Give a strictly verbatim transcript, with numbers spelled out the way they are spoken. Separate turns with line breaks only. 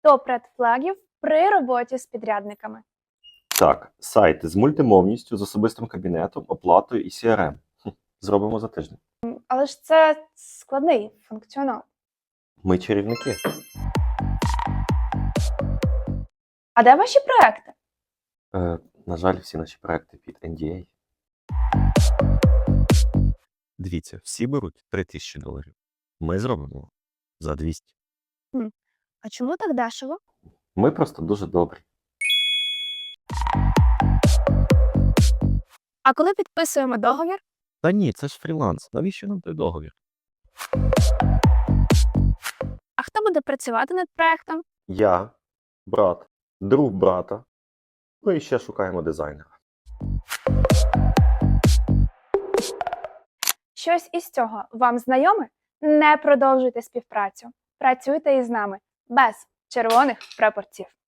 Топ редфлагів при роботі з підрядниками.
Так, сайти з мультимовністю, з особистим кабінетом, оплатою і сі ар ем. Хм, Зробимо за тиждень.
Але ж це складний функціонал.
Ми чарівники.
А де ваші проекти?
Е, на жаль, всі наші проекти під ен ді ей.
Дивіться, всі беруть три тисячі доларів. Ми зробимо за двісті.
А чому так дешево?
Ми просто дуже добрі.
А коли підписуємо договір?
Та ні, це ж фріланс. Навіщо нам той договір?
А хто буде працювати над проектом?
Я, брат, друг брата. Ну і ще шукаємо дизайнера.
Щось із цього вам знайоме? Не продовжуйте співпрацю. Працюйте із нами без червоних прапорців.